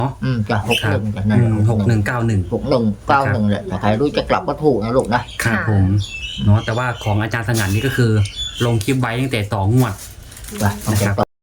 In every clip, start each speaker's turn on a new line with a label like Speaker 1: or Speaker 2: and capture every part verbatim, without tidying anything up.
Speaker 1: อืมจะหกหนึ่งจะนั่น
Speaker 2: หกหนึ่งเก้าหนึ่ง
Speaker 1: หกหนึ่งเก้าหนึ่งแหละแต่ใครรู้จะกลับก็ถูกนะลูกนะครับ
Speaker 2: ผมเนาะแต่ว่าของอาจารย์สงัดนี่ก็คือลงคลิปไว้ตั้งแต่ต่องวด
Speaker 1: ไปต้องไปต่อ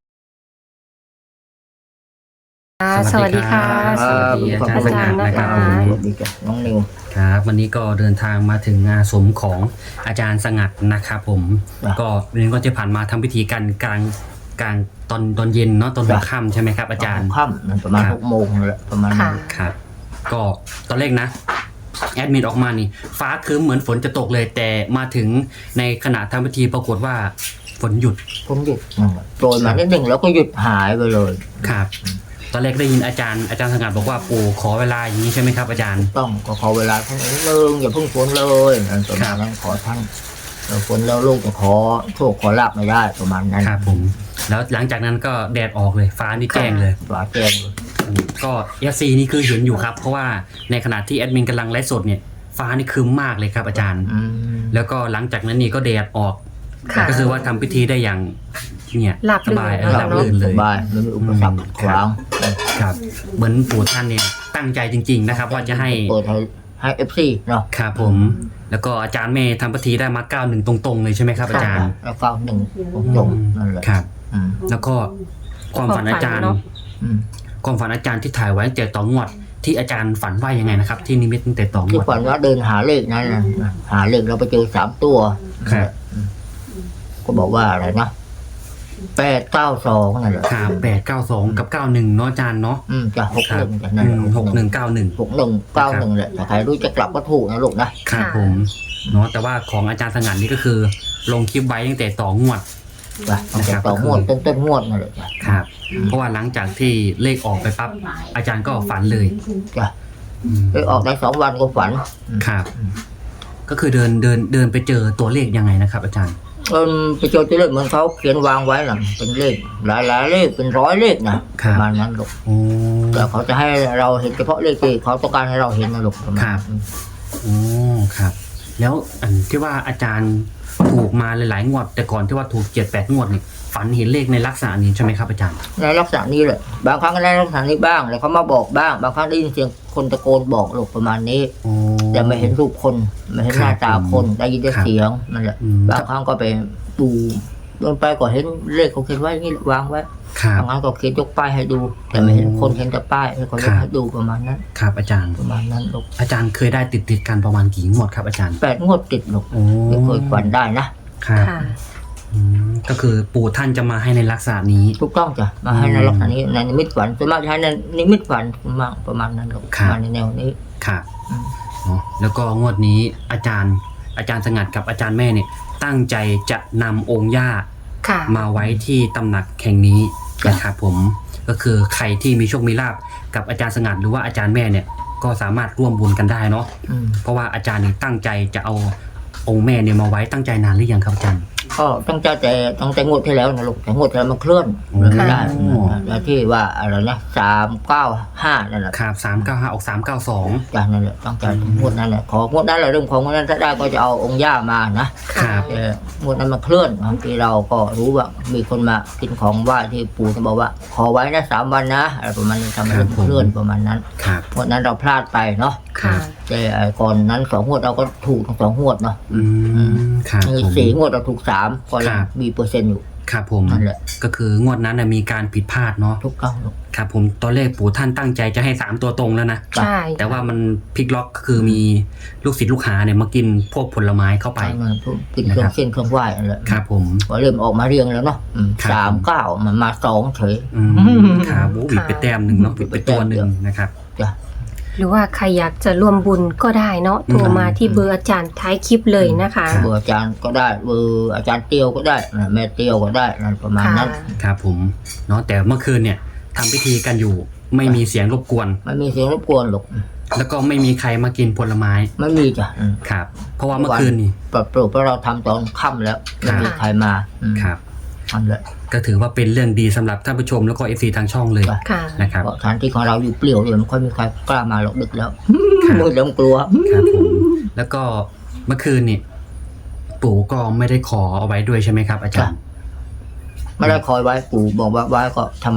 Speaker 3: สวัสดีค่ะ
Speaker 2: สวัสดีอาจารย์สงัดนะครับ
Speaker 3: อาจารย์นะคะ
Speaker 1: สวัสดีจ้ะน้องนิว
Speaker 2: ครับวันนี้ก็เดินทางมาถึงงานสมของอาจารย์สงัดนะครับผม
Speaker 1: ครับ
Speaker 2: ก็เรียนก็จะผ่านมาทำพิธีกันกลางกลางตอนตอนเย็นเนาะตอนหัวค่ำใช่ไหมครับอาจารย์
Speaker 1: ค่ำมันประมาณ
Speaker 2: ครับ
Speaker 1: หกโมงนั่นแหละประมาณนั้น
Speaker 2: ครับก็ตอนแรกนะแอดมินออกมานี่ฟ้าครึ้มเหมือนฝนจะตกเลย แต่มาถึงในขณะทำพิธีปรากฏว่าฝนหยุด
Speaker 1: ผมหยุดนั่นแหละโปรยมานิดหนึ่งแล้วก็หยุดหายไปเลย
Speaker 2: ครับตอนแรกได้ยินอาจารย์อาจารย์สงัดบอกว่าปู่ขอเวลาอย่างนี้ใช่ไหมครับอาจารย์
Speaker 1: ต้องก็ขอเวลาท่านนิดนึงอย่าเพิ่งฝนเลยนั่นประมาณนั้นขอท่านเออฝนแล้วลูกจะขอโชคขอลาบไม่ได้ประมาณนั้น
Speaker 2: ครับผมแล้วหลังจากนั้นก็แดดออกเลยฟ้านี่แจ้งเลย
Speaker 1: ฟ้าแจ้งเลย
Speaker 2: ก็เอฟซีนี่คือเห็นอยู่ครับเพราะว่าในขณะที่แอดมินกำลังไลฟ์สดเนี่ยฟ้านี่ครึ้มมากเลยครับอาจารย์
Speaker 1: อืม
Speaker 2: แล้วก็หลังจากนั้นนี่ก็แดดออก
Speaker 3: ค่ะ
Speaker 2: ก็คือว่าทำพิธีได้อย่างเนี่ย
Speaker 3: หลับ
Speaker 2: สบายเออ
Speaker 3: ลื่น
Speaker 2: หลับลื่นเลย
Speaker 1: สบายไม่มีอุปสรรคขวาง
Speaker 2: ครับเหมือนปู่ท่านเนี่ยตั้งใจจริง ๆ นะครับ ว่าจะให้
Speaker 1: เปิดให้ให้เอฟซีเนาะ
Speaker 2: ครับผม แล้วก็อาจารย์เมย์ทำพิธีได้มาเก้าหนึ่งตรงๆเลยใช่ไหมครับอาจารย์
Speaker 1: แล้วก็หนึ่งตรงๆนั่นแหละ
Speaker 2: ครับ
Speaker 1: อืม
Speaker 2: แล้วก็ความฝันอาจารย์
Speaker 3: ความฝันเนอะ
Speaker 1: อืม
Speaker 2: ความฝันอาจารย์ที่ถ่ายไว้ตั้งแต่ต่องวดที่อาจารย์ฝันว่ายังไงนะครับ ที่นิมิตตั้งแต่ต่อง
Speaker 1: ที่
Speaker 2: วด
Speaker 1: ฝันว่าเดินหาเลขนั่นนะหาเลขเราไปเจอสามตัว
Speaker 2: ครับ
Speaker 1: อืมก็บอกว่าอะไรนะแปดเก้าสองนั่นแหละ
Speaker 2: ครับแปดเก้าสองกับเก้าหนึ่งเนาะอาจารย์เนาะ
Speaker 1: อืมจะหก
Speaker 2: ครั
Speaker 1: ห
Speaker 2: บ
Speaker 1: นึ่งจะนั่น
Speaker 2: หกหนึ่งเก้าหนึ่ง
Speaker 1: หกหนึ่งเก้าหนึ่งแหละแต่ใครรู้จะกลับก็ถูกนะลูกนะครับ
Speaker 2: ผมเนาะแต่ว่าของอาจารย์สงัดนี่ก็คือ ลงคลิปไว้ตั้งแต่ต่องวด
Speaker 1: ไปตั้งแต่ต่องวดต้นต้นงวดนั่นแหละจ้ะ
Speaker 2: ครับ เพราะว่าหลังจากที่เลขออกไปปั๊บอาจารย์ก็ฝันเลย
Speaker 1: จ้ะ
Speaker 2: อืม
Speaker 1: ไปออกได้สองวันก็ฝัน
Speaker 2: ครับ ก็คือเดินเดินเดินไปเจอตัวเลขยังไงนะครับ อาจารย์
Speaker 1: เออไปเจอตัวเลขเหมือนเขาเขียนวางไว้น่ะเป็นเลขหลายหลายๆเลขเป็นร้อยเลขนะ
Speaker 2: ครั
Speaker 1: ป
Speaker 2: บ
Speaker 1: ระมาณนั้นลูก
Speaker 2: โอ้
Speaker 1: แต่เขาจะให้เราเห็นเฉพาะเลขที่เขาต้องการให้เราเห็นนะลูกประมาณ
Speaker 2: ครับ
Speaker 1: นั้น
Speaker 2: โอ้ครับ แล้วอันที่ว่าอาจารย์ถูกมาหลายๆงวด แต่ก่อนที่ว่าถูกเจ็ดแปดงวดนี่ฝันเห็นเลขในลักษณะนี้ใช่ไหมครับอาจารย์
Speaker 1: ในลักษณะนี้แหละบางครั้งก็ในลักษณะนี้บ้างแล้วเขามาบอกบ้าง บางครั้งได้ยินเสียงคนตะโกนบอกลูกประมาณนี้
Speaker 2: โอ้
Speaker 1: แต่ไม่เห็นรูปคนไม่เห็นหน้าตาคนได้ยินแต่
Speaker 2: ครับ
Speaker 1: เสียงนั่นแหละ
Speaker 2: อืม
Speaker 1: บางครั้งก็ไปดูเดินไปก็เห็นเลขเขาเขียนไว้นี่วางไว้
Speaker 2: ครับ
Speaker 1: บางครั้งก็เขียนยกป้ายให้ดู แต่ไม่เห็นคนเห็นแต่ป้ายให้คนยกให้ดูประมาณนั้น
Speaker 2: ครับอาจารย์
Speaker 1: ประมาณนั้นลูก
Speaker 2: อาจารย์เคยได้ติดติดๆกันประมาณกี่งวดครับอาจารย์
Speaker 1: แปดงวดติดลูก
Speaker 2: โอ้
Speaker 1: ไม่เคยฝันได้นะครับ
Speaker 3: ค่ะ
Speaker 2: อืมก็คือปู่ท่านจะมาให้ในลักษณะนี้
Speaker 1: ถูกต้องจ้ะมาให้ในลักษณะนี้ในนิมิตฝันส่วนมากจะให้ในนิมิตฝันมากประมาณนั้นลูก
Speaker 2: ครับ
Speaker 1: มาในแนวนี้
Speaker 2: ครับ
Speaker 1: อืม
Speaker 2: เนาะแล้วก็งวดนี้อาจารย์ อาจารย์สงัดกับอาจารย์แม่เนี่ย ตั้งใจจะนำองค์ย่า
Speaker 3: ค่ะ
Speaker 2: มาไว้ที่ตำหนักแห่งนี้นะครับผมก็คือใครที่มีโชคมีลาบกับอาจารย์สงัดหรือว่าอาจารย์แม่เนี่ยก็สามารถร่วมบุญกันได้เนาะ
Speaker 1: อืม
Speaker 2: เพราะว่าอาจารย์นี่ตั้งใจจะเอาองค์แม่เนี่ยมาไว้ตั้งใจนานหรือยังครับอาจารย์
Speaker 1: ก็ตั้งใจแต่ตั้งแต่งวดที่แล้วนะลูกแต่งวดที่แล้วมันเคลื่อน
Speaker 2: โอ้
Speaker 1: เลยไม่ได้แล้วที่ว่าอะไรนะสามเก้าห้านั่นแหละ
Speaker 2: ครับสามเก้าห้าออกสามเก้าสอง
Speaker 1: จ้ะนั่นแหละตั้งใจงวดนั้นแหละของวดนั้นแหละเรื่องของงวดนั้นถ้าได้ก็จะเอาองค์ย่ามานะครับ แต่งวดนั้นมันเคลื่อนบางทีเราก็รู้ว่ามีคนมากินของไหว้ที่ปู่จะบอกว่า ขอไว้นะสามวันนะอะไรประมาณนี้ทำให้มันเคลื่อนประมาณนั้น
Speaker 2: ครับ
Speaker 1: งวดนั้นเราพลาดไปเนาะ
Speaker 3: ค่ะ
Speaker 1: แต่ไอ้ก่อนนั้นสองงวดเราก็ถูกทั้งสองงวดเนาะ
Speaker 2: อืมครับ
Speaker 1: มี
Speaker 2: ผม
Speaker 1: สี่งวดเราถูกสามก็ยั
Speaker 2: ค
Speaker 1: ง
Speaker 2: รับ
Speaker 1: มีเปอร์เซ็นต์อยู่
Speaker 2: ครับผม
Speaker 1: นั่นแหละ
Speaker 2: ก็คืองวดนั้นนะมีการผิดพลาดเนาะ
Speaker 1: ทุกครั้งลูก
Speaker 2: ครับผมตอนแรกปู่ท่านตั้งใจจะให้สามตัวตรงแล้วนะ
Speaker 3: ใช่
Speaker 2: แต่ว่ามันพลิกล็อกก็คือมีลูกศิษย์ลูกหาเนี่ยมากินพวกผลไม้เข้าไป
Speaker 1: ไปกินเครื่องเส้นเครื่องไหว้นั่นแหละ
Speaker 2: ครับผม
Speaker 1: พอเริ่มออกมาเรียงแล้วเนาะอืม
Speaker 2: ครับ
Speaker 1: สามเก้ามันมาสองเฉย
Speaker 2: อืมครับโอ้บิดไปแต้มหนึ่งเนาะบิดไปตัวหนึ่งนะครับ
Speaker 1: จ้ะ
Speaker 3: หรือว่าใครอยากจะร่วมบุญก็ได้เนาะโทรมาที่เบอร์อาจารย์ท้ายคลิปเลยนะคะ
Speaker 2: ครับ
Speaker 1: เบอร์อาจารย์ก็ได้เบอร์อาจารย์เตียวก็ได้นะแม่เตียวก็ได้นั่นประมาณ
Speaker 3: ค่ะ
Speaker 1: นั้น
Speaker 2: ครับผมเนาะแต่เมื่อคืนเนี่ยทำพิธีกันอยู่ไม่มีเสียงรบกวน
Speaker 1: ไม่มีเสียงรบกวนหรอก
Speaker 2: แล้วก็ไม่มีใครมากินผลไม้
Speaker 1: ไม่มีจ้ะอืม
Speaker 2: ครับ เพราะว่าเมื่อคืนนี่
Speaker 1: ปรับปรุงเพราะเราทำตอนค่ำแล้วไม่มีใครมาอืม
Speaker 2: ครับ
Speaker 1: นั่นแหละ
Speaker 2: ก็ถือว่าเป็นเรื่องดีสำหรับท่านผู้ชมแล้วก็เอฟซีทางช่องเลย
Speaker 3: ค่ะ
Speaker 2: นะครับ
Speaker 1: เพราะสถานที่ของเราอยู่เปลี่ยวเลยไม่ค่อยมีใครกล้ามาหรอกดึกแล้ว
Speaker 2: ครับ
Speaker 1: มืดแล้วกลัว
Speaker 2: ครับผมแล้วก็เมื่อคืนนี่ปู่ก็ไม่ได้ขอเอาไว้ด้วยใช่ไหมครับ อาจารย์
Speaker 1: ไม่ได้คอยไว้ปู่บอกว่าไว้ก็ธรรมดา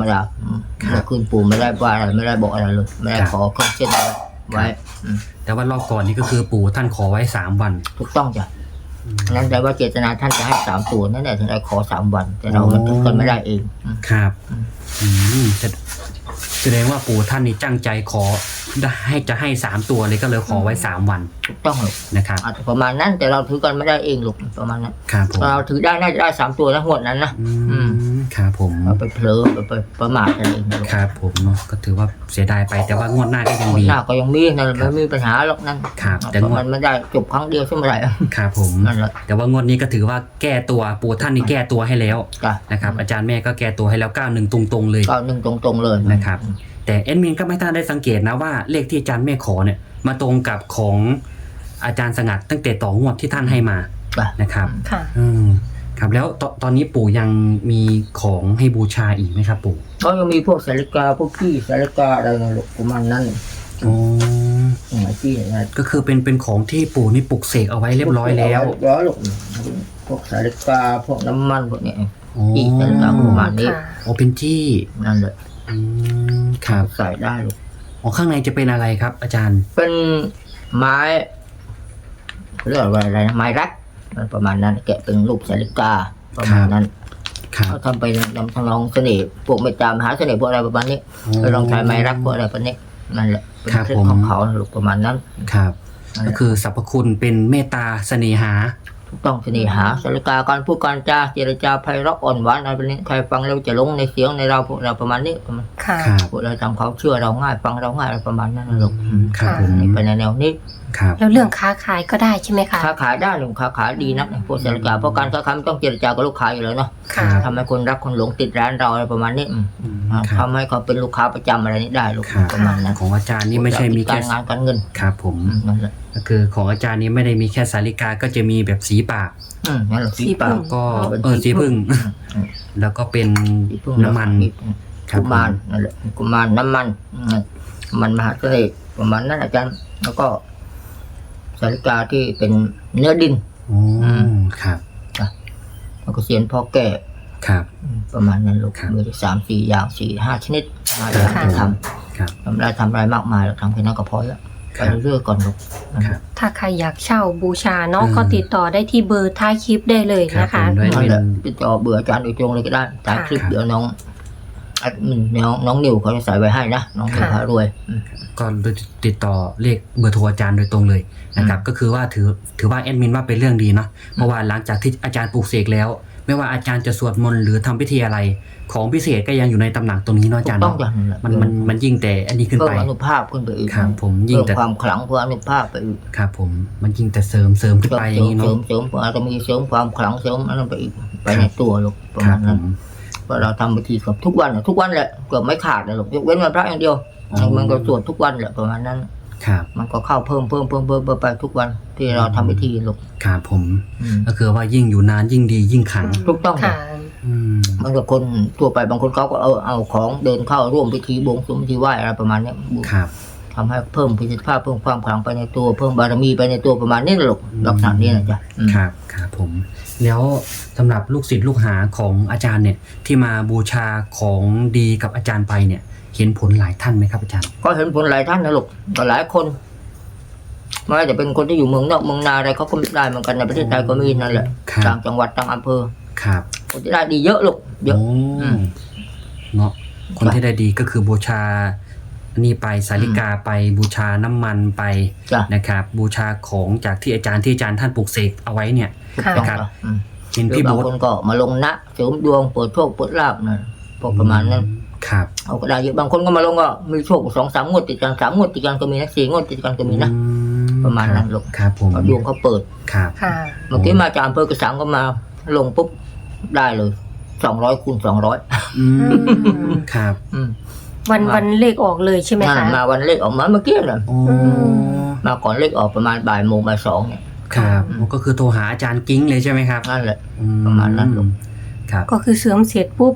Speaker 1: อืมเมื่อคืนปู่ไม่ได้ว่าอะไรไม่ได้บอกอะไรเลยไม่ได้
Speaker 2: ครับ
Speaker 1: ขอเครื่องเส้นอะไรไว้อืม
Speaker 2: แต่ว่ารอบก่อนนี่ก็คือปู่ท่านขอไว้สามวัน
Speaker 1: ถูกต้องจ้ะนั่นแปลว่าเจตนาท่านจะให้สามตัวนั่นแหละถึงได้ขอสามวัน แต่เรามันถึงกันไม่ได้เองอืม
Speaker 2: ครับอืมแสดแสดงว่าปู่ท่านนี่ตั้งใจขอให้จะให้สามตัวเลยก็เลยขอไว้สามวัน
Speaker 1: ถูกต้องหรอก
Speaker 2: นะครับ
Speaker 1: อาจจะประมาณนั้นแต่เราถือกันไม่ได้เองหรอกประมาณนั้น
Speaker 2: ครับผม
Speaker 1: เราถือได้น่าจะได้สามตัวนะงวดนั้นนะ
Speaker 2: อืมครับผม
Speaker 1: เราไปเผลอไปไปประมาทกันเองนะลูก
Speaker 2: ครับผมเนาะก็ถือว่าเสียดายไปแต่ว่างวดหน้าก็ยัง
Speaker 1: งวด
Speaker 2: มี
Speaker 1: หน้าก็ยังมีนั่นไม่มีปัญหาหรอกนั่น
Speaker 2: ครับแต่
Speaker 1: แต่
Speaker 2: งวด
Speaker 1: มันไม่ได้จบครั้งเดียวใช่ไหมไร
Speaker 2: ครับผม
Speaker 1: นั่นแหละ
Speaker 2: แต่ว่างวดนี้ก็ถือว่าแก้ตัวปู่ท่านนี่แก้ตัวให้แล้ว
Speaker 1: จ้ะ
Speaker 2: นะครับอาจารย์แม่ก็แก้ตัวให้แล้วเก้าหนึ่งตรงๆเลย
Speaker 1: ก็หนึ่งตรงๆเลย
Speaker 2: นะครับ แต่เอ็ดมินก็ไม่ทันได้สังเกตนะว่าเลขที่อาจารย์แม่ขอเนี่ยมาตรงกับของอาจารย์สงัดตั้งแต่ต่องวดที่ท่านให้มา
Speaker 1: จ้ะ
Speaker 2: นะครับ
Speaker 3: ค่ะ
Speaker 2: อืมครับแล้วตตอนนี้ปู่ยังมีของให้บูชาอีกไหมครับปู่
Speaker 1: ก็ยังมีพวกสาริกาพวกขี้สาริกาอะไรนะลูกประมาณนั้น
Speaker 2: อ๋อ
Speaker 1: หลายที่นะ
Speaker 2: ก็คือเป็นเป็นของที่ปู่นี่ปลุกเสกเอาไว้เรียบร้อยแล้ว
Speaker 1: เรียบร้อยลูกพวกสาริกาพวกน้ำมันพวกเนี้ย
Speaker 2: อ๋อ
Speaker 1: ขี้สาริกาประมาณนี้
Speaker 3: ค่ะ
Speaker 2: อ๋อเป็นที่
Speaker 1: นั่นแหละ
Speaker 2: อืมครับ
Speaker 1: ใส่ได้ลูก
Speaker 2: อ๋อข้างในจะเป็นอะไรครับ อาจารย์
Speaker 1: เป็นไม้เรียกว่าอะไรนะไม้รักประมาณนั้นแกะเป็นรูปสาริกาประมาณนั้น
Speaker 2: ครับ
Speaker 1: เขาทำไปนำทางลองเสน่ห์พวกเมตตามหาเสน่ห์พวกอะไรประมาณนี้ไปลองใช้ไม้รักพวกอะไรประมาณนี้นั่นแหละเป็นเคล็ดของเขาลูกประมาณนั้น
Speaker 2: ครับ
Speaker 1: นั่นแห
Speaker 2: ก็
Speaker 1: ละ
Speaker 2: คือสรรพคุณเป็นเมตตาเสน่หา
Speaker 1: ถูกต้องเสน่หาสาริกาการพูดการจาเจรจาไพเราะอ่อนหวานอะไรแบบนี้ใครฟังแล้วจะหลงในเสียงในเราพวกเราประมาณนี้ประมาณ
Speaker 3: ค่ะ
Speaker 2: ครับ
Speaker 1: พวกเราทำเขาเชื่อเราง่ายฟังเราง่ายอะไรประมาณนั้นนะลูก
Speaker 2: อืมครับผม
Speaker 1: ไปในแนวนี้
Speaker 2: ครับ
Speaker 3: แล้วเรื่องค้าขายก็ได้ใช่ไหมคะ
Speaker 1: ค้าขายได้ลูกค้าขายดีนักพวกสาริกาเพราะการค้าขายมันต้องเจรจากับลูกค้าอยู่แล้วเนาะ
Speaker 3: ค่ะ
Speaker 1: ทำให้คนรักคนหลงติดร้านเราอะไรประมาณนี้อืม
Speaker 2: อืม
Speaker 1: อ่า
Speaker 2: ครับ
Speaker 1: ทำให้เขาเป็นลูกค้าประจำอะไรนี้ได้ลูก
Speaker 2: ครับ
Speaker 1: ประมาณนั้น
Speaker 2: ของอาจารย์นี่ไม่ใช่มี
Speaker 1: กา
Speaker 2: แค่
Speaker 1: รงานการเงิน
Speaker 2: ครับผม
Speaker 1: อืมนั่นแหละ
Speaker 2: ก็คือของอาจารย์นี้ไม่ได้มีแค่สาริกาก็จะมีแบบสีปาก
Speaker 1: อืมนั่นแหละ
Speaker 3: สี
Speaker 1: สีปา
Speaker 3: พึ่
Speaker 1: ก
Speaker 3: ง
Speaker 2: ก็
Speaker 1: เป็น
Speaker 2: เออสีพึ่ง
Speaker 1: อืม
Speaker 2: แล้วก็เป็น
Speaker 1: สีพึ่ง
Speaker 2: น้ำมัน ครั
Speaker 1: กุ
Speaker 2: บ
Speaker 1: มารนั่นแหละกุมารน้ำมันอืมมันมหาเสน่ห์ประมาณนั้นอาจารย์แล้วก็สาริกาที่เป็นเนื้อดิน
Speaker 2: อ๋อครับ
Speaker 1: แล้วก็เสียนพ่อแก่
Speaker 2: ครับ
Speaker 1: อืมประมาณนั้นลูก
Speaker 2: ครับ
Speaker 1: มีสามสี่อย่างสี่ห้าชนิดห้าอย่างที่ท
Speaker 2: ครับ
Speaker 1: ำทำได้ทำอะไรมากมายเราทำแค่นั้นก็พอแล้ว
Speaker 2: ค
Speaker 1: ไป
Speaker 2: รับ
Speaker 1: เรื่อยๆก่อนลูก
Speaker 2: ครับ
Speaker 3: ถ้าใครอยากเช่าบูชาเนาะ
Speaker 2: อืม
Speaker 3: ก็ติดต่อได้ที่เบอร์ท้ายคลิปได้เลยนะ
Speaker 2: ครั
Speaker 3: คะ
Speaker 2: บผมด้วย
Speaker 1: นั่นแหละติดต่อเบื่ออาจารย์โดยตรงเลยก็ได้ตามคลิป
Speaker 2: ครับ
Speaker 1: เดี๋ยวน้องแอดมินน้องน้องนิวเขาจะใส่ไว้ให้นะน้องนิว
Speaker 3: ค่ะ
Speaker 1: พารวยอืม
Speaker 2: ก็ติดต่อเลขเบอร์โทรอาจารย์โดยตรงเลยนะครับ ก็คือว่าถือถือว่าแอดมินว่าเป็นเรื่องดีเนาะเพราะว่าหลังจากที่อาจารย์ปลูกเสกแล้ว ไม่ว่าอาจารย์จะสวดมนต์หรือทำพิธีอะไร ของพิเศษก็ยังอยู่ในตำหนักตรงนี้เนาะอา
Speaker 1: ถู
Speaker 2: จาก รย์
Speaker 1: ต้อง
Speaker 2: เนาะ
Speaker 1: อย่างนั้นแหละ
Speaker 2: มันมันมันยิ่งแต่อันนี้ขึ้น
Speaker 1: เพิ่
Speaker 2: ไป
Speaker 1: มอนุภาพขึ้นไปอีก
Speaker 2: ครับผมยิ่ง
Speaker 1: เพิ่ม
Speaker 2: แต่
Speaker 1: ความขลังเพิ่มอนุภาพไปอีก
Speaker 2: ครับผมมันยิ่งแต่เสริมเสริมขึ้น
Speaker 1: เสริม
Speaker 2: ไปอ
Speaker 1: เส
Speaker 2: ย่า
Speaker 1: ริ
Speaker 2: ง
Speaker 1: ม
Speaker 2: นี้
Speaker 1: เสริ
Speaker 2: เนาะ
Speaker 1: มเสริมอาจจะมีเสริมความขลังเสริมอันนั้นไปอีกไป
Speaker 2: ค
Speaker 1: ใน
Speaker 2: รับ
Speaker 1: ตัวลูกประ
Speaker 2: ครั
Speaker 1: มา
Speaker 2: บ
Speaker 1: ณ
Speaker 2: ผ
Speaker 1: นั้น
Speaker 2: ม
Speaker 1: เพราะเราทำพิธีกับทุกวันอะทุกวันแหละเกือบไม่ขาดเลยลูกยกเว้นวันพระอย่างเดียว
Speaker 2: อ๋อ
Speaker 1: มันก็สวดทุกวันแหละประมาณนั้น
Speaker 2: ครับ
Speaker 1: มันก็เข้าเพิ่มเพิ่มเพิ่มเพิ่มเพิ่มไปทุกวันที่เราทำพิธีลูก
Speaker 2: ครับผม
Speaker 1: อืม
Speaker 2: ก็คือว่ายิ่งอยู่นานยิ่งดียิ่งขลัง
Speaker 1: ถูกต้อง
Speaker 3: ค่ะ
Speaker 2: อืม
Speaker 1: มันกับคนทั่วไปบางคนเขาก็เอาเอาของเดินเข้าร่วมพิธีบวงสรวงพิธีไหว้อะไรประมาณเนี้ย
Speaker 2: ครับ
Speaker 1: ทำให้เพิ่มประสิทธิภาพเพิ่มความขลังไปในตัวเพิ่มบารมีไปในตัวประมาณนี้นะลูก
Speaker 2: อืม
Speaker 1: ลักษณะนี้นะจ๊ะอืม
Speaker 2: ครับครับผม แล้วสำหรับลูกศิษย์ลูกหาของอาจารย์เนี่ย ที่มาบูชาของดีกับอาจารย์ไปเนี่ย เห็นผลหลายท่านไหมครับอาจารย์
Speaker 1: ก็เห็นผลหลายท่านนะลูกก็หลายคนไม่ว่าจะเป็นคนที่อยู่เมืองนอกเมืองนาอะไรเขาก็ได้เหมือนกันในประเทศไทยก็มีนั่นแหละ
Speaker 2: ครับ
Speaker 1: ต่างจังหวัดต่างอำเภอ
Speaker 2: ครับ
Speaker 1: คนที่ได้ดีเยอะลูกเยอะ
Speaker 2: โอ้
Speaker 1: อืม
Speaker 2: เนาะคนที่ได้ดีก็คือบูชานี่ไปสาริกาไปบูชาน้ำมันไป
Speaker 1: จ้ะ
Speaker 2: นะครับ บูชาของจากที่อาจารย์ที่อาจารย์ท่านปลูกเสกเอาไว้เนี่ย
Speaker 1: ถูกต้อง
Speaker 2: ครับ
Speaker 1: จ้ะอืม
Speaker 2: เห็น
Speaker 1: หรือ
Speaker 2: พี่
Speaker 1: บาง
Speaker 2: โบ๊ท
Speaker 1: คนก็มาลงนะเสริมดวงเปิดโชคเปิดลาบนะพวกประมาณนั้น
Speaker 2: ครับ
Speaker 1: เอาก็ได้เยอะบางคนก็มาลงก็มีโชคสองสามงวดติดกันสามงวดติดกันก็มีนะสี่งวดติดกันก็มีนะ
Speaker 2: อื
Speaker 1: ประมาณนั้นลูก
Speaker 2: ครับผม
Speaker 1: เพราะดวงเขาเปิด
Speaker 2: ครับ
Speaker 3: ค่ะ
Speaker 1: เมื่อกี้มาจากอำเภอกระสังก็มาลงปุ๊บได้เลยสองร้อยคูณสองร้อย
Speaker 2: อืมครับ
Speaker 3: วันวันเลขออกเลยใช่ไหมคะ
Speaker 1: มาวันเลขออกมาเมื่อกี้น่ะ
Speaker 2: โอ้
Speaker 1: มาก่อนเลขออกประมาณบ่ายโมงบ่ายสองเนี่ย
Speaker 2: ครับ
Speaker 1: อืม
Speaker 2: ก็คือโทรหาอาจารย์กิ้งเลยใช่ไหมครับ
Speaker 1: นั่นแหละ
Speaker 2: อื
Speaker 1: ประมาณนั้นลูก
Speaker 2: ครับ
Speaker 3: ก็คือเสริมเสร็จปุ๊บ
Speaker 1: เ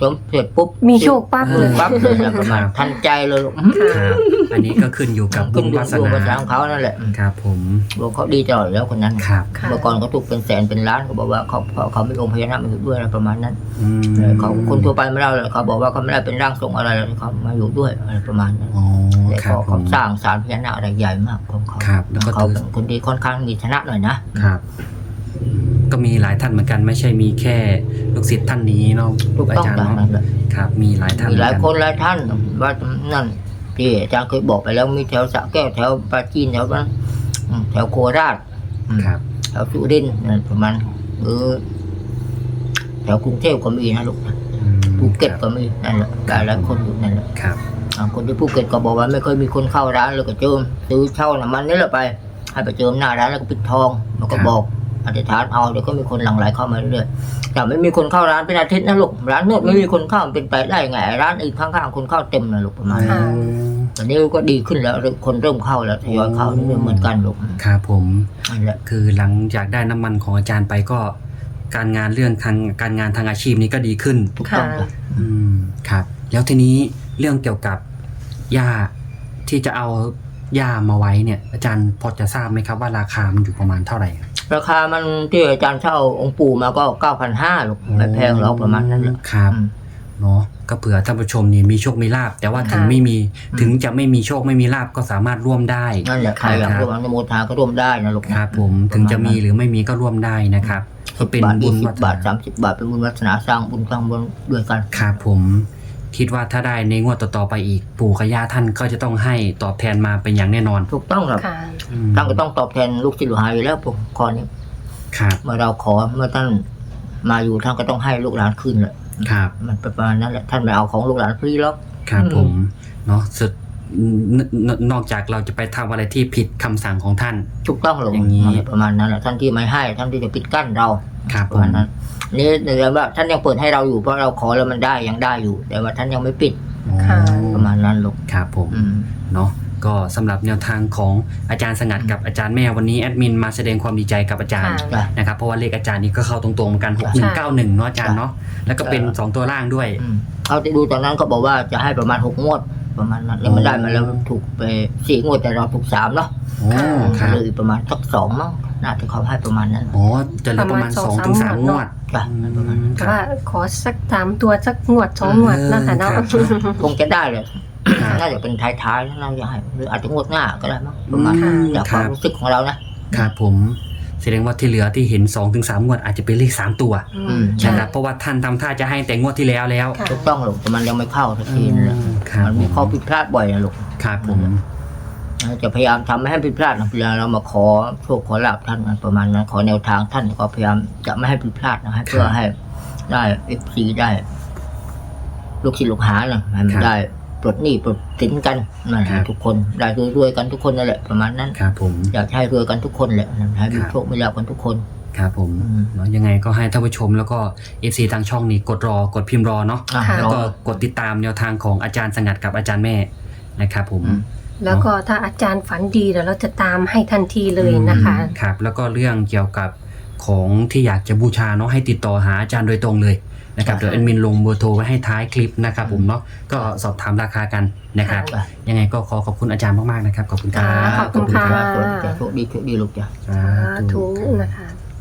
Speaker 1: สมเสร็จปุ๊บ
Speaker 3: มีโชคปั๊บเลย
Speaker 1: ปั๊บเลยนะประมาณทันใจเลยลูก
Speaker 2: ครับอันนี้ก็ขึ้นอยู่กับบุ
Speaker 1: ขึ้น
Speaker 2: ญ
Speaker 1: อยู่
Speaker 2: วาส
Speaker 1: ดวง
Speaker 2: นา
Speaker 1: ภาษาของเขานั่นแหละ
Speaker 2: ครับผม
Speaker 1: ดวงเขาดีตลอดแล้วคนนั้น
Speaker 2: ครับ
Speaker 3: ค่ะ
Speaker 1: เมื่อก่อนเขาถูกเป็นแสนเป็นล้านเขาบอกว่าเขาเขาเขาไม่องค์พญานาคมาอยู่ด้วยอะไรประมาณนั้น
Speaker 2: อืม
Speaker 1: เขาคนทั่วไปไม่ได้เลยเขาบอกว่าเขาไม่ได้เป็นร่างทรงอะไรเลยเขามาอยู่ด้วยอะไรประมาณนั้น
Speaker 2: อ๋อ
Speaker 1: แต่
Speaker 2: ครับ
Speaker 1: เขา
Speaker 2: ผ
Speaker 1: เขา
Speaker 2: ม
Speaker 1: สร้างศาลพญานาคอะไรใหญ่มากของเขา
Speaker 2: ครับแล้วก็
Speaker 1: เขา
Speaker 2: ถือ
Speaker 1: เป็นคนที่ค่อนข้างมีฐานะหน่อยนะครับ
Speaker 2: ก็มีหลายท่านเหมือนกันไม่ใช่มีแค่ลูกศิษย์ท่านนี้เนาะ
Speaker 1: ถูก
Speaker 2: อา
Speaker 1: ต้อง
Speaker 2: จารย์
Speaker 1: ตาม
Speaker 2: เนาะ
Speaker 1: นั้นแหละ
Speaker 2: ครับ มีหลายท่าน
Speaker 1: มีหลาย
Speaker 2: เห
Speaker 1: ค
Speaker 2: มือน
Speaker 1: หลายท่านว่านั่นที่อาจารย์เคยบอกไปแล้วมีแถวสระแก้วแถวปราจีนแถวนั้นอืมแถวโคราชอืม
Speaker 2: ครับ
Speaker 1: แถวสุรินทร์นั่นประมาณเออแถวกรุงเทพก็มีนะลูกนะ
Speaker 2: อืม
Speaker 1: ภูเก็ต
Speaker 2: ครับ
Speaker 1: ก็มีนั่นแหละหลายหลายคนอยู่นั่นแหละ
Speaker 2: ครับ
Speaker 1: อ่าคนที่ภูเก็ตก็บอกว่าไม่เคยมีคนเข้าร้านเลยก็เจิมซื้อเช่าน้ำมันนี่แหละไป ให้ไปเจิมหน้าร้านแล้วก็ปิดทองแล้วก็บอกอธิษฐานเอาเดี๋ยวก็มีคนหลั่งไหลเข้ามาเรื่อยๆแต่ไม่มีคนเข้าร้านเป็นอาทิตย์นะลูกร้านนวดไม่มีคนเข้ามันเป็นไปได้ไงร้านอื่นข้างๆคนเข้าเต็มนะลูกประมาณนั้น
Speaker 3: ค่ะ
Speaker 1: ตอนนี้ก็ดีขึ้นแล้วคนเริ่มเข้าแล้วทยอยเข้านี่เหมือนกันลูก
Speaker 2: ครับผม
Speaker 1: นั่นแหละ
Speaker 2: คือหลังจากได้น้ำมันของอาจารย์ไปก็ การงานเรื่องทางการงานทางอาชีพนี้ก็ดีขึ้น
Speaker 1: ถูกต้องจ้ะ
Speaker 2: อืมครับ แล้วทีนี้เรื่องเกี่ยวกับหญ้าที่จะเอาหญ้ามาไว้เนี่ย อาจารย์พอจะทราบไหมครับว่าราคามันอยู่ประมาณเท่าไหร่ครับ
Speaker 1: ราคามันที่อาจารย์เช่าองค์ปู่มาก็เก้าพันห้าลูกไม่แพงหรอกประมาณนั้นแหละ
Speaker 2: ครับ
Speaker 1: อืม
Speaker 2: เนาะก็เผื่อท่านผู้ชมนี่มีโชคมีลาบแต่ว่าถึง
Speaker 3: ค่ะ
Speaker 2: ไม่มี
Speaker 1: อืม
Speaker 2: ถึงจะไม่มีโชคไม่มีลาบก็สามารถร่วมได้
Speaker 1: นั่นแหละใครอยากร่วมอนุโมทนาก็ร่วมได้นะลูก
Speaker 2: ครับผมถึงจะมีหรือไม่มีก็ร่วมได้นะครับก็เป็น
Speaker 1: บาท
Speaker 2: บุ
Speaker 1: ยี่
Speaker 2: ญ
Speaker 1: สิ
Speaker 2: วั
Speaker 1: บ
Speaker 2: ฒ
Speaker 1: บาท
Speaker 2: นา
Speaker 1: สามสิบบาทเป็นบุญวัฒนาสร้างบุญสร้างบุญด้วยกัน
Speaker 2: ครับผมคิดว่าถ้าได้ในงวดต่อๆไปอีก ปู่กับย่าท่านก็จะต้องให้ตอบแทนมาเป็นอย่างแน่นอน
Speaker 1: ถูกต้องครับ
Speaker 3: ค่ะ
Speaker 2: อืม
Speaker 1: ท่านก็ต้องตอบแทนลูกศิษย์ลูกหาอยู่แล้วผมขอนี้
Speaker 2: ครับ
Speaker 1: เมื่อเราขอเมื่อท่านมาอยู่ท่านก็ต้องให้ลูกหลานคืนแหละ
Speaker 2: ครับ
Speaker 1: มันเป็นประมาณนั้นแหละท่านไม่เอาของลูกหลานฟรีหรอก
Speaker 2: ครับ
Speaker 1: อืม
Speaker 2: ผมเนาะสุดนนนอกจากเราจะไปทำอะไรที่ผิดคำสั่งของท่าน
Speaker 1: ถูกต้องหรอก
Speaker 2: อย่างนี้
Speaker 1: ประมาณนั้นแหละท่านที่ไม่ให้ท่านที่จะปิดกั้นเรา
Speaker 2: ครับ
Speaker 1: ป
Speaker 2: ผ
Speaker 1: ระ
Speaker 2: ม
Speaker 1: มาณนั้นนี่เดี๋ยวว่าท่านยังเปิดให้เราอยู่เพราะเราขอแล้วมันได้ยังได้อยู่ แต่ว่าท่านยังไม่ปิด
Speaker 3: ค่ะ
Speaker 1: ประมาณนั้นลูก
Speaker 2: ครับผม
Speaker 1: อืม
Speaker 2: เนาะก็สำหรับแนวทางของอาจารย์สงัดกับอาจารย์แม่วันนี้แอดมินมาแสดงความดีใจกับอาจารย์
Speaker 3: ค่ะ
Speaker 1: จ้ะ
Speaker 2: นะครับเพราะว่าเลขอาจารย์นี่ก็เข้าตรงๆเหมือนกันหกหนึ่งเก้าหนึ่งเนาะอาจารย์เนาะแล้วก็เป็น
Speaker 1: เออ
Speaker 2: สองตัวล่างด้วย
Speaker 1: อืมเขาจะดูตอนนั้นเขาบอกว่าจะให้ประมาณหกงวดประมาณนั้นแล้วมันได้มาแล้วถูกไปสี่งวดแต่เราถูกสามเนาะ
Speaker 2: โอ้ครับ
Speaker 1: เลยประมาณสักสองมั้งน่าจะเขาให้ประมาณนั้น
Speaker 2: อ๋อจะเหลือประมาณ
Speaker 3: ประ
Speaker 2: ส
Speaker 3: มา
Speaker 2: อง
Speaker 3: ณ
Speaker 2: ถึง
Speaker 3: ส
Speaker 2: สา
Speaker 3: อ
Speaker 2: ม
Speaker 3: ง
Speaker 2: ง
Speaker 3: สาม
Speaker 2: วด
Speaker 1: จ้ะประมาณนั้น
Speaker 3: แต่ว่าขอสักสามตัวสักงวดสองงวดนะคะเนาะ
Speaker 2: เออครับ
Speaker 1: คงจะได้เลย
Speaker 2: ครับ
Speaker 1: น่าจะเป็นท้ายๆน่าจะให้หรืออาจจะงวดหน้าก็ได้มั้งประมาณ
Speaker 2: อืม
Speaker 1: จาก
Speaker 2: ค
Speaker 1: ควา
Speaker 2: รั
Speaker 1: ม
Speaker 2: บ
Speaker 1: รู้สึกของเรานะครับ
Speaker 2: ผมแสดงว่าที่เหลือที่เห็นสองถึงสามงวดอาจจะเป็นเลขสามตัว
Speaker 3: อืม ใช่
Speaker 2: นะครับเพราะว่าท่านทำท่าจะให้แต่งวดที่แล้วแล้ว
Speaker 3: ค่ะ
Speaker 1: ถูกต้องหรอกแต่มันยังไม่เข้าสักทีนั่นแหละ
Speaker 2: อืมครับ
Speaker 1: มันมีข้อผิดพลาดบ่อยนะลูก
Speaker 2: ครับผม
Speaker 1: จะพยายามทำไม่ให้ผิดพลาดนะเวลาเรามาขอโชคขอลาบท่านนะประมาณนั้นขอแนวทางท่านก็พยายามจะไม่ให้ผิดพลาดนะให้เพื่อให้ได้เอฟซีได้ ลูกศิษย์ลูกหานะให้มันได้ปลดหนี้ปลดสินกันนั่นแหละทุกคนได้รวยๆกันทุกคนนั่นแหละประมาณนั้น
Speaker 2: ครับผม
Speaker 1: อยากให้รวยกันทุกคนแหละให้มี
Speaker 2: ครับ
Speaker 1: โชคมีลาภกันทุกคน
Speaker 2: ครับผม
Speaker 1: อืม
Speaker 2: เนาะยังไงก็ให้ท่านผู้ชมแล้วก็ เอฟ ซี ทางช่องนี้กดรอกดพิมพ์รอเนาะ
Speaker 1: อ่ะ
Speaker 3: ค่ะ
Speaker 2: แล้ว
Speaker 1: รอ
Speaker 2: ก็กดติดตามแนวทางของอาจารย์สงัดกับอาจารย์แม่นะครับผม
Speaker 1: อืม
Speaker 3: แล้วก็ถ้าอาจารย์ฝันดีเดี๋ยวเราจะตามให้ทันทีเลยนะคะ
Speaker 2: อืมครับแล้วก็เรื่องเกี่ยวกับของที่อยากจะบูชาเนาะให้ติดต่อหาอาจารย์โดยตรงเลยนะครับ
Speaker 1: ค่ะ
Speaker 2: เดี๋ยวแอดมินลงเบอร์โทรไว้ให้ท้ายคลิปนะครับผมเนาะก็สอบถามราคากันนะครับ
Speaker 1: ค่ะ
Speaker 2: ยังไงก็ขอขอบคุณอาจารย์มากๆนะครับขอบคุณครับ
Speaker 3: ค่ะขอบคุณค่ะ
Speaker 1: โชคดีโชคดีลูกจ้ะ
Speaker 2: สา
Speaker 3: สา
Speaker 2: ธุ
Speaker 3: ธุนะคะ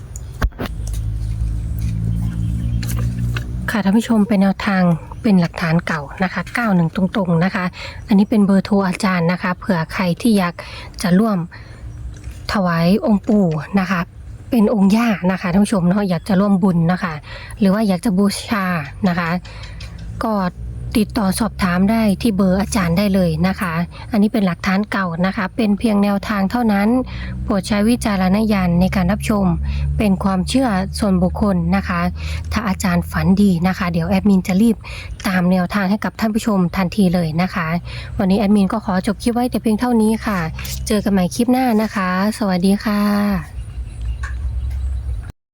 Speaker 3: ค่ะท่านผู้ชมเป็นแนวทางเป็นหลักฐานเก่านะคะเก้าหนึ่งตรงๆนะคะ อันนี้เป็นเบอร์โทรอาจารย์นะคะเผื่อใครที่อยากจะร่วมถวายองค์ปู่นะคะ เป็นองค์ย่านะคะท่านผู้ชมเนาะอยากจะร่วมบุญนะคะ หรือว่าอยากจะบูชานะคะ ก็ติดต่อสอบถามได้ที่เบอร์อาจารย์ได้เลยนะคะ อันนี้เป็นหลักฐานเก่านะคะ เป็นเพียงแนวทางเท่านั้น โปรดใช้วิจารณญาณในการรับชม เป็นความเชื่อส่วนบุคคลนะคะ ถ้าอาจารย์ฝันดีนะคะ เดี๋ยวแอดมินจะรีบตามแนวทางให้กับท่านผู้ชมทันทีเลยนะคะ วันนี้แอดมินก็ขอจบคลิปไว้แต่เพียงเท่านี้ค่ะ เจอกันใหม่คลิปหน้านะคะ สวัสดีค่ะ